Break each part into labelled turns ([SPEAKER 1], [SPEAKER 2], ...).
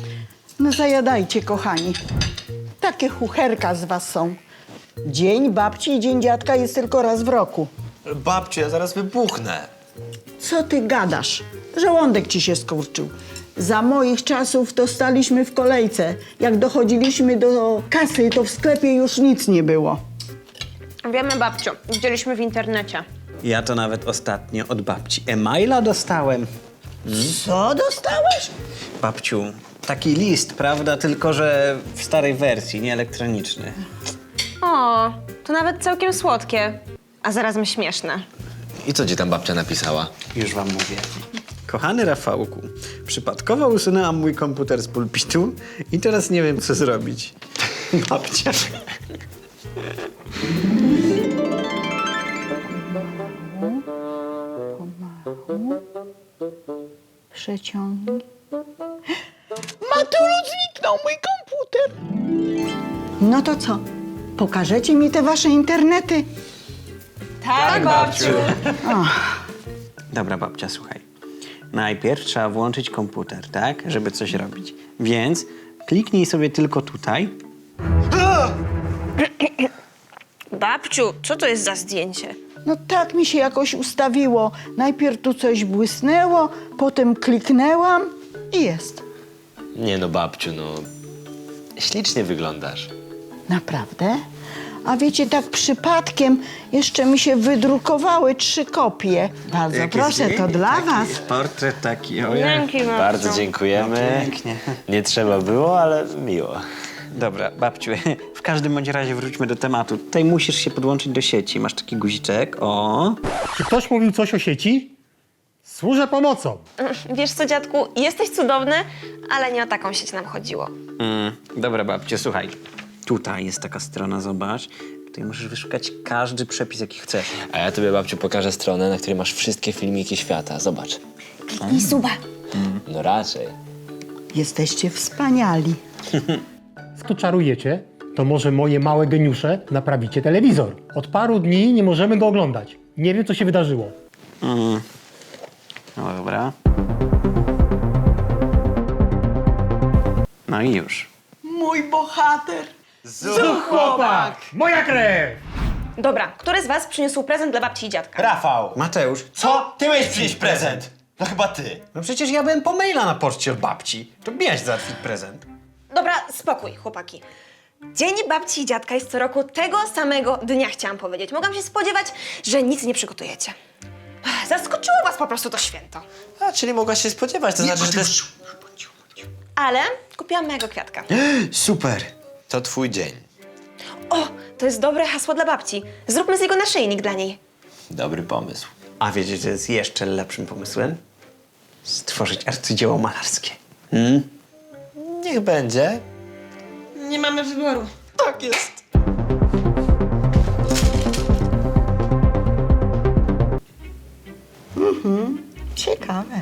[SPEAKER 1] No zajadajcie, kochani. Takie chucherka z was są. Dzień babci i dzień dziadka jest tylko raz w roku.
[SPEAKER 2] Babciu, ja zaraz wybuchnę.
[SPEAKER 1] Co ty gadasz? Żołądek ci się skurczył. Za moich czasów to staliśmy w kolejce. Jak dochodziliśmy do kasy, to w sklepie już nic nie było.
[SPEAKER 3] Wiemy, babciu. Widzieliśmy w internecie.
[SPEAKER 4] Ja to nawet ostatnio od babci e-maila dostałem.
[SPEAKER 1] Co dostałeś?
[SPEAKER 4] Babciu, taki list, prawda? Tylko że w starej wersji, nie elektroniczny.
[SPEAKER 3] O, to nawet całkiem słodkie. A zarazem śmieszne.
[SPEAKER 2] I co ci tam babcia napisała?
[SPEAKER 4] Już wam mówię. Kochany Rafałku, przypadkowo usunęłam mój komputer z pulpitu i teraz nie wiem, co zrobić. Babcia.
[SPEAKER 1] Przeciągnij. Matulu, zniknął mój komputer. No to co? Pokażecie mi te wasze internety?
[SPEAKER 3] Tak, babciu.
[SPEAKER 4] Dobra, babcia, słuchaj. Najpierw trzeba włączyć komputer, tak? Żeby coś robić. Więc kliknij sobie tylko tutaj.
[SPEAKER 3] Babciu, co to jest za zdjęcie?
[SPEAKER 1] No tak mi się jakoś ustawiło. Najpierw tu coś błysnęło, potem kliknęłam i jest.
[SPEAKER 2] Nie no, babciu, no... Ślicznie wyglądasz.
[SPEAKER 1] Naprawdę? A wiecie, tak przypadkiem jeszcze mi się wydrukowały 3 kopie. Bardzo proszę, to dla was.
[SPEAKER 4] Portret taki, ojej.
[SPEAKER 3] Dzięki, babciu.
[SPEAKER 2] Bardzo dziękujemy.
[SPEAKER 4] Pięknie.
[SPEAKER 2] Nie trzeba było, ale miło.
[SPEAKER 4] Dobra, babciu, w każdym bądź razie wróćmy do tematu. Tutaj musisz się podłączyć do sieci. Masz taki guziczek, o.
[SPEAKER 5] Czy ktoś mówił coś o sieci? Służę pomocą.
[SPEAKER 3] Wiesz co, dziadku, jesteś cudowny, ale nie o taką sieć nam chodziło.
[SPEAKER 4] Dobra, babciu, słuchaj. Tutaj jest taka strona, zobacz. Tutaj możesz wyszukać każdy przepis, jaki chcesz.
[SPEAKER 2] A ja tobie, babciu, pokażę stronę, na której masz wszystkie filmiki świata. Zobacz.
[SPEAKER 3] I suba.
[SPEAKER 2] No raczej.
[SPEAKER 1] Jesteście wspaniali.
[SPEAKER 5] Skoro czarujecie, to może moje małe geniusze naprawicie telewizor. Od paru dni nie możemy go oglądać. Nie wiem, co się wydarzyło.
[SPEAKER 4] No dobra. No i już.
[SPEAKER 1] Mój bohater.
[SPEAKER 5] Chłopak! Moja krew!
[SPEAKER 3] Dobra, który z was przyniósł prezent dla babci i dziadka?
[SPEAKER 4] Rafał! Mateusz!
[SPEAKER 2] Co? Ty miałeś przynieść prezent! No chyba ty.
[SPEAKER 4] No przecież ja byłem po maila na poczcie od babci. To miałeś załatwić prezent.
[SPEAKER 3] Dobra, spokój, chłopaki. Dzień babci i dziadka jest co roku tego samego dnia, chciałam powiedzieć. Mogłam się spodziewać, że nic nie przygotujecie. Zaskoczyło was po prostu to święto.
[SPEAKER 2] A, czyli mogłaś się spodziewać, to znaczy, że to jest...
[SPEAKER 3] Ale kupiłam mojego kwiatka.
[SPEAKER 4] Super!
[SPEAKER 2] To twój dzień.
[SPEAKER 3] O, to jest dobre hasło dla babci. Zróbmy z niego naszyjnik dla niej.
[SPEAKER 2] Dobry pomysł.
[SPEAKER 4] A wiecie, że jest jeszcze lepszym pomysłem? Stworzyć arcydzieło malarskie.
[SPEAKER 2] Niech będzie.
[SPEAKER 3] Nie mamy wyboru.
[SPEAKER 2] Tak jest.
[SPEAKER 1] Ciekawe.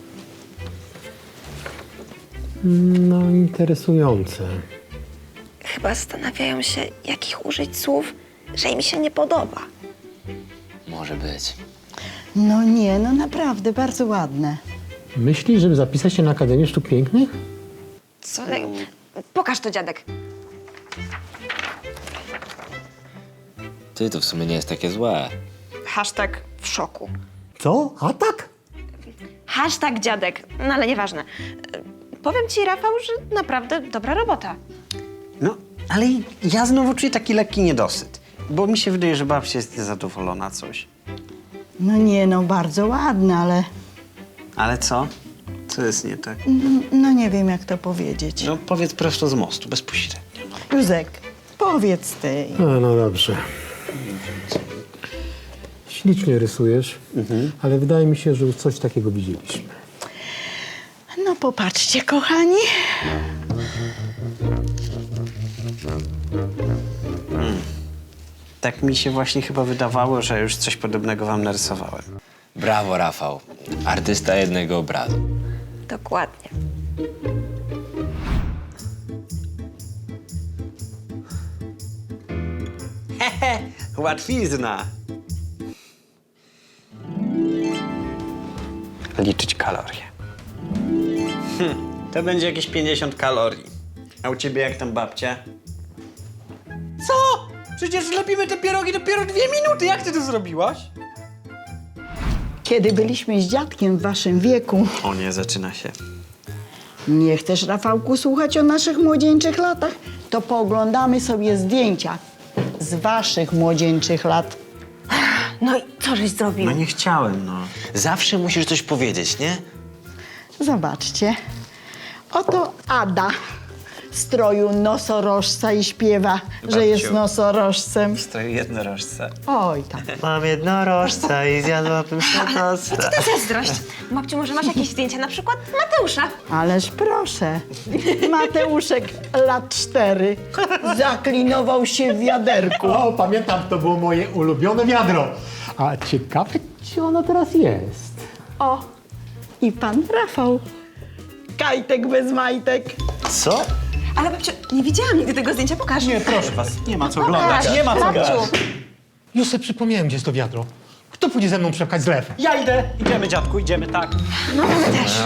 [SPEAKER 5] No, interesujące.
[SPEAKER 3] Chyba zastanawiają się, jakich użyć słów, że im się nie podoba.
[SPEAKER 2] Może być.
[SPEAKER 1] No nie, no naprawdę, bardzo ładne.
[SPEAKER 5] Myślisz, żeby zapisać się na Akademię Sztuk Pięknych?
[SPEAKER 3] Co? Pokaż to, dziadek.
[SPEAKER 2] Ty, to w sumie nie jest takie złe.
[SPEAKER 3] Hashtag w szoku.
[SPEAKER 5] Co? Atak?
[SPEAKER 3] Hashtag dziadek. No ale nieważne. Powiem ci, Rafał, że naprawdę dobra robota.
[SPEAKER 4] No, ale ja znowu czuję taki lekki niedosyt. Bo mi się wydaje, że babcia jest niezadowolona coś.
[SPEAKER 1] No nie, no bardzo ładne, ale
[SPEAKER 4] Ale co? Co jest nie tak?
[SPEAKER 1] no nie wiem, jak to powiedzieć.
[SPEAKER 4] No powiedz prosto z mostu, bezpośrednio.
[SPEAKER 1] Józek, powiedz ty.
[SPEAKER 5] No dobrze. Ślicznie rysujesz, ale wydaje mi się, że już coś takiego widzieliśmy.
[SPEAKER 1] No popatrzcie, kochani.
[SPEAKER 4] Tak mi się właśnie chyba wydawało, że już coś podobnego wam narysowałem.
[SPEAKER 2] Brawo, Rafał. Artysta jednego obrazu.
[SPEAKER 3] Dokładnie.
[SPEAKER 4] Łatwizna! Liczyć kalorie. To będzie jakieś 50 kalorii. A u ciebie jak tam babcia? Co? Przecież lepimy te pierogi dopiero 2 minuty. Jak ty to zrobiłaś?
[SPEAKER 1] Kiedy byliśmy z dziadkiem w waszym wieku,
[SPEAKER 4] O nie, zaczyna się.
[SPEAKER 1] nie chcesz, Rafałku, słuchać o naszych młodzieńczych latach? To pooglądamy sobie zdjęcia z waszych młodzieńczych lat.
[SPEAKER 3] No i co żeś zrobił?
[SPEAKER 4] No nie chciałem, no.
[SPEAKER 2] Zawsze musisz coś powiedzieć, nie?
[SPEAKER 1] Zobaczcie. Oto Ada w stroju nosorożca i śpiewa, że jest nosorożcem.
[SPEAKER 4] To jednorożce.
[SPEAKER 1] Oj tam.
[SPEAKER 2] Mam jednorożca i zjadłabym się tosta.
[SPEAKER 3] To zazdrość. Babciu, może masz jakieś zdjęcia, na przykład Mateusza?
[SPEAKER 1] Ależ proszę. Mateuszek lat 4 zaklinował się w wiaderku.
[SPEAKER 5] O, pamiętam, to było moje ulubione wiadro. A ciekawe, gdzie ono teraz jest?
[SPEAKER 1] O, i pan Rafał. Kajtek bez majtek.
[SPEAKER 2] Co?
[SPEAKER 3] Ale babciu, nie widziałam nigdy tego zdjęcia, pokaż.
[SPEAKER 4] Nie, proszę was, nie ma co oglądać.
[SPEAKER 3] Pokaż,
[SPEAKER 4] Nie ma co
[SPEAKER 3] babciu.
[SPEAKER 4] oglądać.
[SPEAKER 5] Już sobie przypomniałem, gdzie jest to wiadro. Kto pójdzie ze mną przepchać zlew?
[SPEAKER 4] Ja idę. Idziemy, dziadku, idziemy, tak.
[SPEAKER 3] No, my też.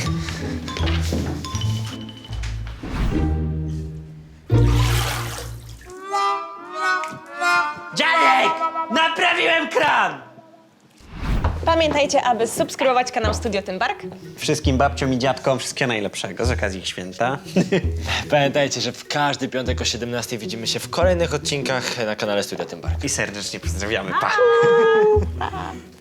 [SPEAKER 4] Dziadek! Naprawiłem kran!
[SPEAKER 3] Pamiętajcie, aby subskrybować kanał Studio Tymbark.
[SPEAKER 4] Wszystkim babciom i dziadkom wszystkiego najlepszego z okazji ich święta.
[SPEAKER 2] Pamiętajcie, że w każdy piątek o 17 widzimy się w kolejnych odcinkach na kanale Studia Tymbark.
[SPEAKER 4] I serdecznie pozdrawiamy. Pa!